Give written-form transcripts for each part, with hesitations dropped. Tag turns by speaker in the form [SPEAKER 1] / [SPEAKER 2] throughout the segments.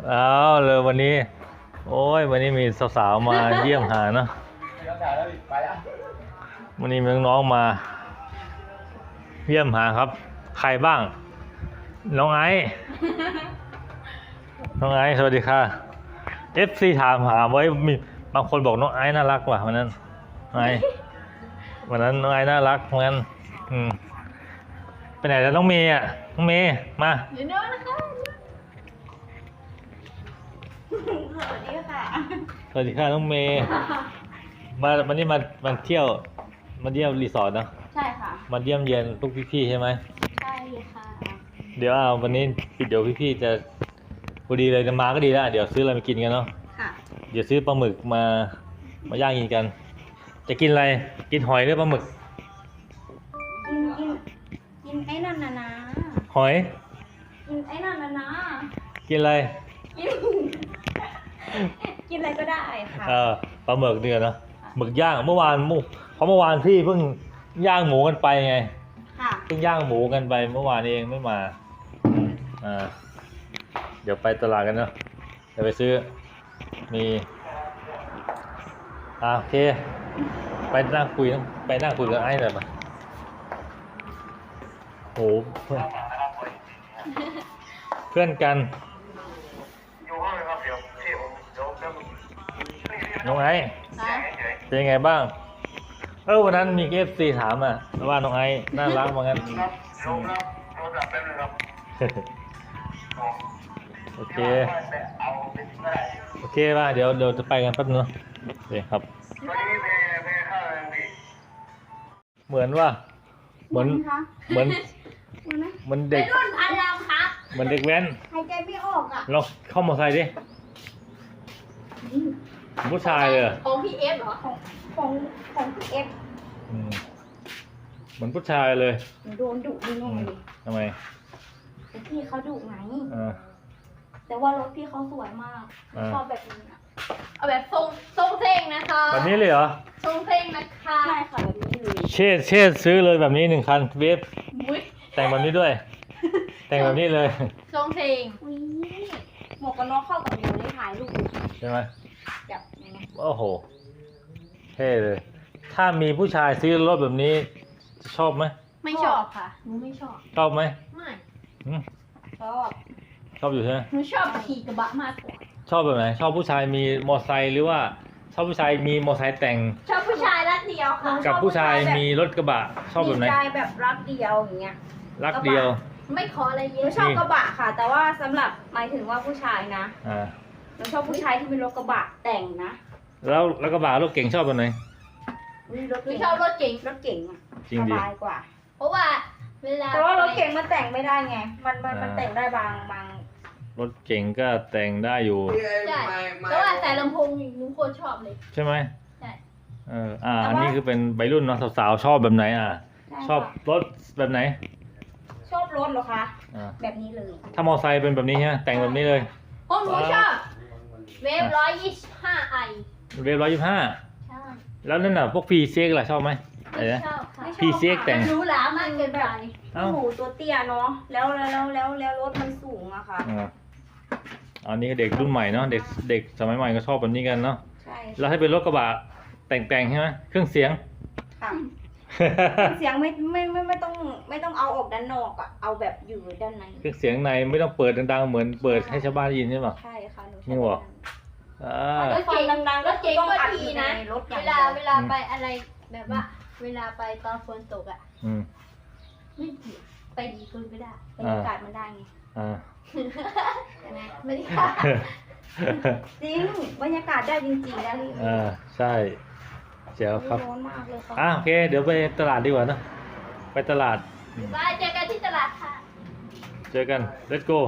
[SPEAKER 1] เอาเลยวันนี้โอ้ยวันนี้มีสาวๆมาเยี่ยมหาเนาะวันนี้มีน้องๆมาเยี่ยมหาครับใครบ้างน้องไอซ์น้องไอซ์สวัสดีค่ะ FC ถามหาไว้มีบางคนบอกน้องไอซ์น่ารักว่ะวันนั้นไอซ์วันนั้นน้องไอซ์น่ารักเหมือนกันไปไหนแล้วน้องเมย์อ่ะน้องเมย์มา
[SPEAKER 2] เดี๋ยวนะคะสวัสดีค่ะ
[SPEAKER 1] สวัสดีค่ะน้องเมย์วันนี้มาเที่ยวมาเยี่ยมรีสอร์ทเนาะ
[SPEAKER 2] ใช่ค่ะ
[SPEAKER 1] มาเยี่ยมเยียนพวกพี่ๆใช่ไหม
[SPEAKER 2] ใช่ค่ะ
[SPEAKER 1] เดี๋ยววันนี้เดี๋ยวพี่ๆจะพอดีเลยจะมาก็ดีแล้วเดี๋ยวซื้ออะไรมากินกันเนาะ
[SPEAKER 2] ค่ะ
[SPEAKER 1] เดี๋ยวซื้อปลาหมึกมาย่างกินกันจะกินอะไรกินหอยหรือปลาหมึก
[SPEAKER 2] กินไอ้นั่นนะ
[SPEAKER 1] หอย
[SPEAKER 2] กินไอ้นั่นนะ
[SPEAKER 1] กินอะไร
[SPEAKER 2] กินอะไรก็ได้ค่ะ
[SPEAKER 1] ปลาหมึกเนี่ยเนาะหมึกย่างเมื่อวานพี่เพิ่งย่างหมูกันไปไง
[SPEAKER 2] ค่ะ
[SPEAKER 1] เพิ่งย่างหมูกันไปเมื่อวานเองไม่มาเดี๋ยวไปตลาดกันเนาะเดี๋ยวไปซื้อมีโอเคไปนั่งคุยกับไอ้หน่อยมาโหเพื่อนกันน้องไอ้เป็นยังไงบ้างวันนั้นมีFCถามว่าน้องไอ้น่ารักเหมือนกันโอเคป่ะเดี๋ยวจะไปกันแป๊บนึงโอเคครับเหมือนว่าเหมือนเด็ก
[SPEAKER 2] รุ่นพันลำครับ
[SPEAKER 1] เหมือนเด็กแว้น
[SPEAKER 2] หายใจไม่ออกอ่ะ
[SPEAKER 1] เราเข้ามาใส่ดิผู้ชายเลย
[SPEAKER 2] ของพี่เอฟเหรอของพี่เอฟ
[SPEAKER 1] เหมือนผู้ชายเลย
[SPEAKER 2] โดนดุนิดหน่อย
[SPEAKER 1] ทำไม
[SPEAKER 2] พี่เขาดุไงแต่ว่ารถพี่เขาสวยมากชอบแบบนี้นะเอาแบบทรงเท่งนะคะ
[SPEAKER 1] แบบนี้เลยเหรอ
[SPEAKER 2] ทรงเท่งนะคะใช่ค่ะแบบนี้เลย
[SPEAKER 1] เชษซื้อเลยแบบนี้1 คันเวฟแต่งแบบนี้ด้วยแต่งแบบนี้เลย
[SPEAKER 2] ทรงเท่งหมวกกันน็อกเข้ากับหนูได้ถ่ายรูป
[SPEAKER 1] ใช่ไหม
[SPEAKER 2] จับ
[SPEAKER 1] โอ้โหเท่เลยถ้ามีผู้ชายซื้อรถแบบนี้จะชอบไหม
[SPEAKER 2] ไม่ชอบค่ะหนูไม่ชอบ
[SPEAKER 1] ชอบไหม
[SPEAKER 2] ไม่
[SPEAKER 1] ชอบอยู่ใช่ไหม
[SPEAKER 2] หนูชอบขี่กระบะมากกว่า
[SPEAKER 1] ชอบแบบไหนชอบผู้ชายมีมอไซค์หรือว่าชอบผู้ชายมีมอไซค์แต่ง
[SPEAKER 2] ชอบผู้ชายรักเดียวค่ะ
[SPEAKER 1] กับผู้ชายมีรถกระบะชอบแบบไหน
[SPEAKER 2] ผู้ชายแบบรักเดียวอย่างเงี้ย
[SPEAKER 1] รักเดียว
[SPEAKER 2] ไม่ขออะไรเยอะชอบกระบะค่ะแต่ว่าสำหรับหมายถึงว่าผู้ชายนะหนูชอบผู้ชายที่มีรถกระบะแต่งนะ
[SPEAKER 1] แล้วกระบะรถเก่งชอบแบบไหน
[SPEAKER 2] หนูชอบรถเก่งสบายกว่าเพราะว่าเวลาแต่ว่ารถเก่งมันแต่งไม่ได้ไงมันแต่งได้บาง
[SPEAKER 1] รถเก่งก็แต่งได้อยู่
[SPEAKER 2] ใช่แต่ว่าแต่ลำโพงหนูโคตรชอบเลย
[SPEAKER 1] ใช่ไหม
[SPEAKER 2] ใช่
[SPEAKER 1] อันนี้คือเป็นวัยรุ่นเนาะสาวๆชอบแบบไหนชอบรถแบบไหน
[SPEAKER 2] ชอบรถเหรอคะแบบนี้เลย
[SPEAKER 1] ถ้ามอไซค์เป็นแบบนี้ใช่ไหมแต่งแบบนี้เลย
[SPEAKER 2] หนูชอบเวฟ125i
[SPEAKER 1] เวฟ125
[SPEAKER 2] ใช่
[SPEAKER 1] แล้วนั่นน่ะพวกพีเซ็กล่ะชอบไหม
[SPEAKER 2] ไม่ชอบค่ะ
[SPEAKER 1] พีเซ็กแต่ง
[SPEAKER 2] รู้หลามากเกินไปหนูตัวเตี้ยเนาะแล้วรถมันสูงอะค่ะ
[SPEAKER 1] อันนี้ก็เด็กรุ่นใหม่เนาะเด็กสมัยใหม่ก็ชอบแบบนี้กันเนาะ
[SPEAKER 2] ใช่
[SPEAKER 1] แล้วให้เป็นรถกระบะแต่งใช่ไหมเครื่องเสียง
[SPEAKER 2] ค่ะเสียงไม่ต้องเอาออกด้านนอกอะเอาแบบอยู่ด้านใน
[SPEAKER 1] เครื่องเสียงในไม่ต้องเปิดดังๆเหมือนเปิดให้ชาวบ้านยินใช่ไหม
[SPEAKER 2] ใช่ค่ะหนู
[SPEAKER 1] นี่หรอ
[SPEAKER 2] รถเก๋งดังๆรถเก๋งก็ดีนะเวลาไปอะไรแบบว่าเวลาไปตอนฝนตกอ่ะไม่ดีไปดีคุณก็ได้บรรยากาศมันได้ไงบรรยากาศจริงบรรยากาศได้จริงๆแล้ว
[SPEAKER 1] ใช่เจ๋วครับ
[SPEAKER 2] ร้อนมากเลยค่ะ
[SPEAKER 1] โอเคเดี๋ยวไปตลาดดีกว่านะไปตลาด
[SPEAKER 2] ไปเจอกันที่ตลาดค่ะ
[SPEAKER 1] เจอกัน let's go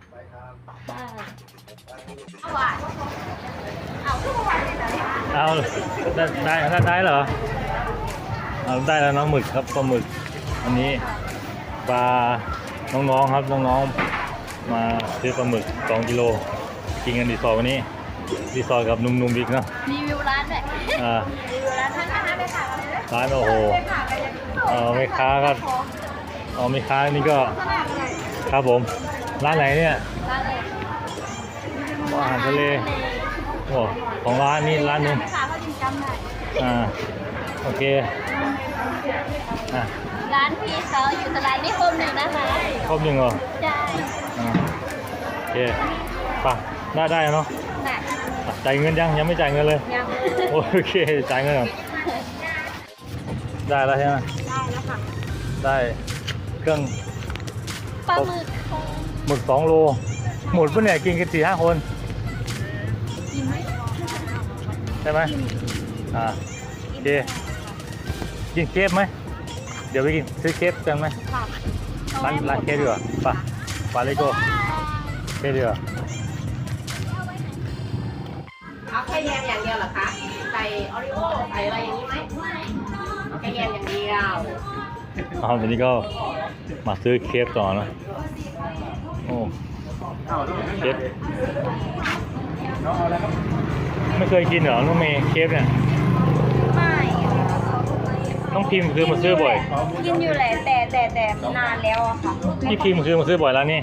[SPEAKER 2] เอาหวานเอาหวานเลยเหรอ
[SPEAKER 1] เอาได้เหรอเอาได้แล้วน้องหมึกครับปลาหมึกอันนี้ปลาน้องๆครับน้องๆมาซื้อปลาหมึก2 กิโลกินกันรีสอร์ทวันนี้รีสอร์ทกับนุ่มๆบิ๊กเนาะ
[SPEAKER 2] รีวิวร้านแบบรีวิวร้านท่านนะคะไปค่ะ
[SPEAKER 1] ร้านโอ้โหแม่ค้าก็แม่ค้านี่ก็ครับผมร้านไหนเนี่ยารทะเลโอ้ของร้านนี้ร้านหนึง
[SPEAKER 2] ค่ะเขาจำได้
[SPEAKER 1] โอเคอ่ะ
[SPEAKER 2] ร้านพี่เขาอยู่ตลาดนิคมหนึ่งนะคะ
[SPEAKER 1] ครบยังเหรอ
[SPEAKER 2] ใช่
[SPEAKER 1] โอเคป่ะได้เนาะ
[SPEAKER 2] น่ะ
[SPEAKER 1] จ่ายเงินยังไม่จ่ายเงินเลย
[SPEAKER 2] ยัง
[SPEAKER 1] โอเคจ่ายเงินก่อนได้แล้วใช่ไหม
[SPEAKER 2] ได้แล้วค่ะ
[SPEAKER 1] ได้เครื่อง
[SPEAKER 2] ปลาหมึกค่ะ
[SPEAKER 1] หมึก2 โลหมดปะเนี่ยกินกัน4-5 คน
[SPEAKER 2] กินไหม
[SPEAKER 1] ใช่ไหมโอเคกินเคฟไหมเดี๋ยวไปกินซื้อเคฟกันไหม
[SPEAKER 2] ค่ะ
[SPEAKER 1] ร้านเคฟดีกว่าไปเลยโก้เคฟดีกว่า
[SPEAKER 3] เอาแค่แยมอย่างเดียวเหรอคะ ใส่ออริโอใส่อะไรอย่างนี้ไหมเอาแค่แยมอย่างเดียว
[SPEAKER 1] วันนี้ก็มาซื้อเคฟต่อนะโอ้เคฟไม่เคยกินเหรอน้องเมย์เคฟเนี่ย
[SPEAKER 2] ไม่
[SPEAKER 1] น้องพิมพ์คือมาซื้อบ่อย
[SPEAKER 2] กินอยู่แหละแต่นานแล้วอะค่ะ
[SPEAKER 1] พี่พิมพ์คือมาซื้อบ่อยแล้วนี่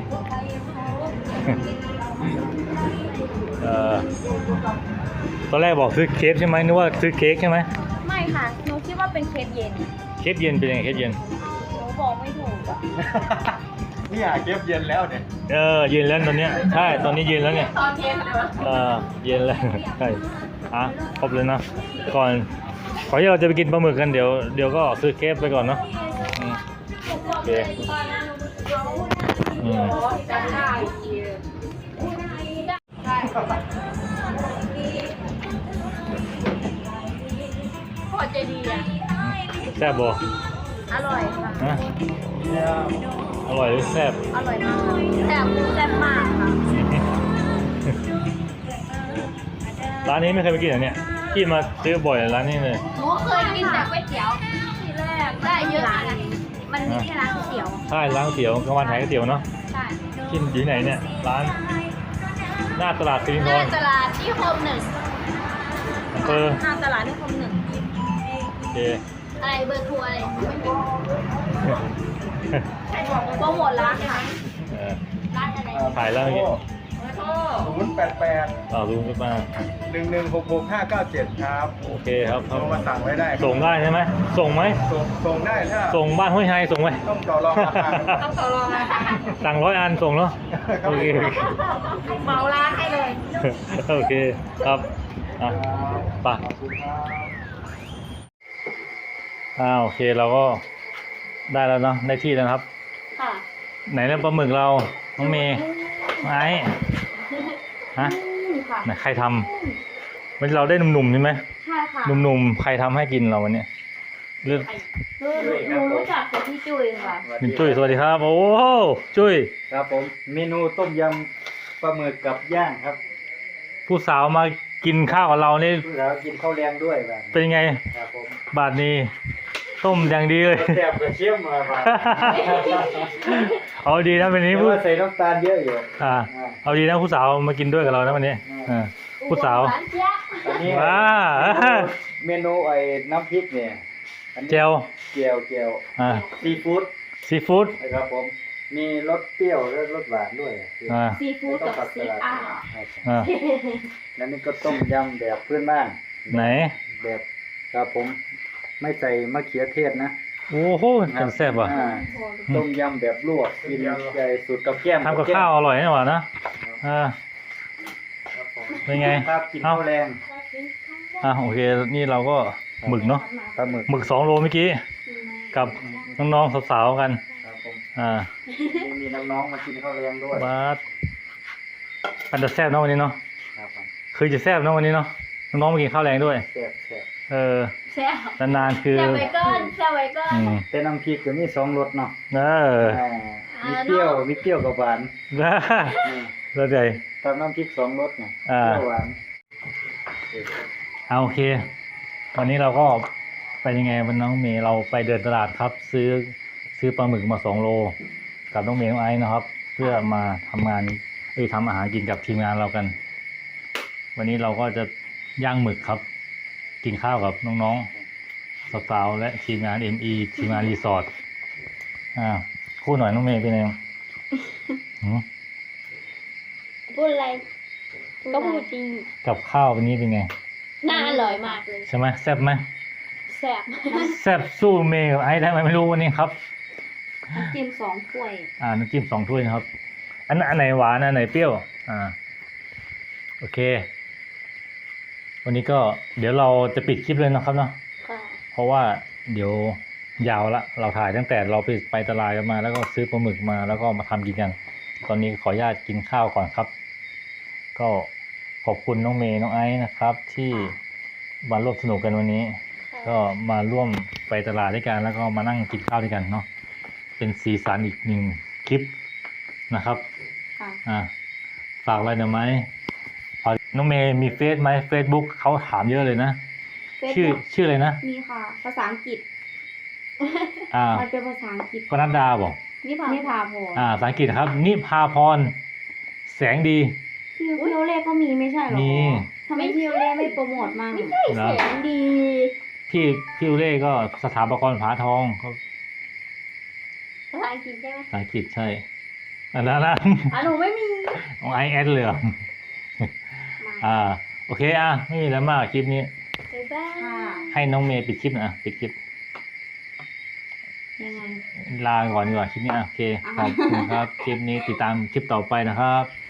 [SPEAKER 1] ตอนแรกบอกซื้อเคฟใช่ไหมนึกว่าซื้อเค้กใช่ไหม
[SPEAKER 2] ไม่ค่ะหนูคิดว่าเป็นเคปเย็น
[SPEAKER 1] เคฟเย็นเป็นยังไงเคฟเย็น
[SPEAKER 2] หนูบอกไม่ถูกอะ
[SPEAKER 4] นี่หาเก็บเย็นแล้วเนี่ย
[SPEAKER 1] เย็นแล้วตอนเนี้ยใช่ตอนนี้เย็นแล้วเนี่ย
[SPEAKER 3] ตอนเย็นเลยวะ
[SPEAKER 1] เย็นแล้วใช่ครบเลยนะก่อนที่เราจะไปกินปลาหมึกกันเดี๋ยวก็ซื้อเคฟไปก่อนเนาะโอเค
[SPEAKER 3] จะได้ได้ พอใจดีอ่ะ
[SPEAKER 1] แซ่บบ่
[SPEAKER 2] อร่อยค่ะ
[SPEAKER 1] ฮะอร่อยหรือแซ่บ
[SPEAKER 2] อร่อยมากแซ่บมากค่ะ
[SPEAKER 1] ร้านนี้ไม่เคยไปกินเหรอเนี่ยพี่มาซื้อบ่อยร้านนี้เลย
[SPEAKER 2] หนูเคยกินแต่ก๋วยเตี๋ยวทีแรกได้เยอะนะมันมีแค่ร้านก๋วยเตี๋ยว
[SPEAKER 1] ใช่ร้านก๋วยเตี๋ยวกลางวันขายก๋วยเตี๋ยวเนาะ
[SPEAKER 2] ใช่
[SPEAKER 1] กินอยู่ไหนเนี่ยร้านหน้าตลาดสิริน
[SPEAKER 2] ห
[SPEAKER 1] ธ
[SPEAKER 2] น้าร ตลาดนิคมหนึ่ง
[SPEAKER 1] อำเภอ
[SPEAKER 2] หน้าตลาดนิคมหนึ่ง
[SPEAKER 1] โอเค
[SPEAKER 2] อะไรเบอร์โทรอะไรไม่มีโปรโมทร้านค่ะ ร้านอะไร
[SPEAKER 1] ถ่ายแล้วเมื่อกี้
[SPEAKER 4] 088
[SPEAKER 1] ลุงขึ้นมา
[SPEAKER 4] 1166597ครับ
[SPEAKER 1] โอเคครับ
[SPEAKER 4] โทรมาสั่งไว้ได้
[SPEAKER 1] ส่งได้ใช่ไหมส่งไหม
[SPEAKER 4] ส่งได้ถ้า
[SPEAKER 1] ส่งบ้านห้วยไฮส่งไหม
[SPEAKER 4] ต้องต่อรองราคา
[SPEAKER 3] ต้องต่อรองนะ
[SPEAKER 1] สั่ง100 อันส่งเนาะ
[SPEAKER 4] ครับ
[SPEAKER 1] โอเค
[SPEAKER 3] เหมาร้านให้เลย
[SPEAKER 1] โอเคครับไป
[SPEAKER 4] ขอบคุณครับ
[SPEAKER 1] โอเคเราก็ได้แล้วเนาะได้ที่แล้วนะครับ
[SPEAKER 2] ค่ะ
[SPEAKER 1] ไหนแล้วปลาหมึกเราน้องเมย์ไม้ฮะ
[SPEAKER 2] ค่ะ
[SPEAKER 1] ไหนใครทำวันนี้เราได้หนุ่มๆใช่ไหม
[SPEAKER 2] ใช่ค่ะ
[SPEAKER 1] หนุ่มๆใครทำให้กินเราวันเนี้ยเลือก
[SPEAKER 2] หนูรู้จักแต่พี่จุ้ยค่ะ
[SPEAKER 1] คุณจุ้ยสวัสดีครับโอ้โหจุ้ย
[SPEAKER 4] ครับผม เมนูต้มยำปลาหมึกกับย่างครับ
[SPEAKER 1] ผู้สาวมากินข้าวกับเรานี่
[SPEAKER 4] แล้วกินข้าวแรงด้วยแบบ
[SPEAKER 1] เป็นไง
[SPEAKER 4] ครับผม
[SPEAKER 1] บาทนี้ต้มอย่างดีเลย
[SPEAKER 4] แซ่บกระเทียมมาครับ
[SPEAKER 1] เอาดีนะวันนี้
[SPEAKER 4] แต่
[SPEAKER 1] ผู้
[SPEAKER 4] ว่าใส่น้ำตาลเยอะอยู่
[SPEAKER 1] เอาดีนะผู้สาวมากินด้วยกับเรานะวันนี้ผู้สาว
[SPEAKER 2] ร้านเจ๊ยบ
[SPEAKER 4] อันนี้
[SPEAKER 1] ว้า
[SPEAKER 4] เมนูไอ้น้ำพริกเนี่ยอันนี้
[SPEAKER 1] เจล
[SPEAKER 4] เจียว ซีฟู้ด
[SPEAKER 1] ซีฟู้ด
[SPEAKER 4] นะครับผม มีรสเปรี้ยวและรสหวานด้วย
[SPEAKER 2] ซีฟู้ดกับซีอาร์
[SPEAKER 4] แล้วนี่ก็ต้มยำแบบพื้นบ้าน
[SPEAKER 1] ไหน
[SPEAKER 4] แบบครับผม ไม่ใส่มะเขือเทศนะ
[SPEAKER 1] โอ้โหจังแซ่บว่ะ
[SPEAKER 4] ต้มยำแบบลวกกินใหญ่สุดกับแก้ม
[SPEAKER 1] ทำกับข้าวอร่อยนี่หว่านะเป็นไง
[SPEAKER 4] ครับกินข้าวแรง
[SPEAKER 1] โอเคนี่เราก็หมึกเนาะ
[SPEAKER 4] ปลาหมึก
[SPEAKER 1] หมึก2 โลเมื่อกี้กับน้องๆสาวๆกัน
[SPEAKER 4] ครับผม
[SPEAKER 1] นี่
[SPEAKER 4] มีน้องๆมากินข้าวแรงด้วย
[SPEAKER 1] บาสมันจะแซ่บเนาะวันนี้เนาะ
[SPEAKER 4] ครับผม
[SPEAKER 1] คือจะแซ่บเนาะวันนี้เนาะน้องๆมากินข้าวแรงด้วย
[SPEAKER 4] แซ่บ
[SPEAKER 2] แซ่บ
[SPEAKER 1] นานๆคือ
[SPEAKER 2] แซ่บไว้ก่อนแซ่บไว้ก่อน
[SPEAKER 4] เป็นน้ำพริกก็มี2รสเนาะ มีเปรี้ยวกับหวาน
[SPEAKER 1] แล้วใจ
[SPEAKER 4] ทำน้ำพริก2รสไงเปรี้ยวหวาน
[SPEAKER 1] โอเควันนี้เราก็ไปยังไงวันน้องเมย์เราไปเดินตลาดครับ ซื้อปลาหมึกมา2 โลกับน้องเมย์น้องไอซ์นะครับ เพื่อมาทำงานทำอาหารกินกับทีมงานเรากัน วันนี้เราก็จะย่างหมึกครับ กินข้าวกับน้องๆสาวๆและทีมงาน ME ทีมงานรีสอร์ทคู่หน่อยน้องเมย์เป็นไงหืม
[SPEAKER 2] พูดอะไรก็พูดจริง
[SPEAKER 1] กับข้าววันนี้เป็นไง
[SPEAKER 2] น่าอร่อยมากเลย
[SPEAKER 1] ใช่ไหมแซ่บไหม
[SPEAKER 2] แซ่บ
[SPEAKER 1] แซ่บสู้เมย์กับไอ้ได้ไหมไม่รู้วันนี้ครับ
[SPEAKER 2] น้ำจิ้ม2 ถ้วย
[SPEAKER 1] น้ำจิ้ม2 ถ้วยนะครับ อันไหนหวานอันไหนเปรี้ยวโอเค วันนี้ก็เดี๋ยวเราจะปิดคลิปเลยนะครับเนาะ
[SPEAKER 2] ค่ะ
[SPEAKER 1] เพราะว่าเดี๋ยวยาวละเราถ่ายตั้งแต่เราไปตลาดกันมา แล้วก็ซื้อปลาหมึกมาแล้วก็มาทำกินกัน ตอนนี้ขออนุญาตกินข้าวก่อนครับ ก็ขอบคุณน้องเมย์น้องไอซ์นะครับ ที่มาร่วมสนุกกันวันนี้ ก็มาร่วมไปตลาดด้วยกันแล้วก็มานั่งกินข้าวด้วยกันเนาะเป็นสีสันอีกหนึ่งคลิปนะครับ
[SPEAKER 2] ค่ะ
[SPEAKER 1] ฝากอะไรหน่อยไหมน้องเมย์มีเฟซไหมเฟซบุ๊กเขาถามเยอะเลยนะ ชื่ออะไรนะ
[SPEAKER 5] มีค่ะ ภาษาอังกฤษ
[SPEAKER 1] อ่า
[SPEAKER 5] มันเป็นภาษาอังกฤษ
[SPEAKER 1] ปนัดดาบอก
[SPEAKER 5] นิพาพร
[SPEAKER 1] ภาษาอังกฤษนะครับ นิพาพรแสงดี
[SPEAKER 5] พี่โอเล่ก็มีไม่ใช่หรอ
[SPEAKER 1] มี
[SPEAKER 5] ทำไมพี่โอเล่ไม่โปรโมทมั่ง
[SPEAKER 1] เหรอ
[SPEAKER 2] เสียงดี
[SPEAKER 1] พี่อุเล่ก็สถาปกรผาทองเขา
[SPEAKER 2] ภาษาอังกฤษใช่ไหม
[SPEAKER 1] ภาษาอังกฤษใช่อันนั้นนะ
[SPEAKER 2] หนูไม่มี
[SPEAKER 1] ของไอแอดเลยเหรอ โอเคไม่มีอะไรมากคลิปนี้
[SPEAKER 2] บ๊ายบาย
[SPEAKER 5] ค่ะ
[SPEAKER 1] ให้น้องเมย์ปิดคลิปนะปิดคลิป
[SPEAKER 5] ยังไง
[SPEAKER 1] ลาก่อนดีกว่าคลิปนี้โอเคขอบคุณครับ คลิปนี้ติดตามคลิปต่อไปนะครับ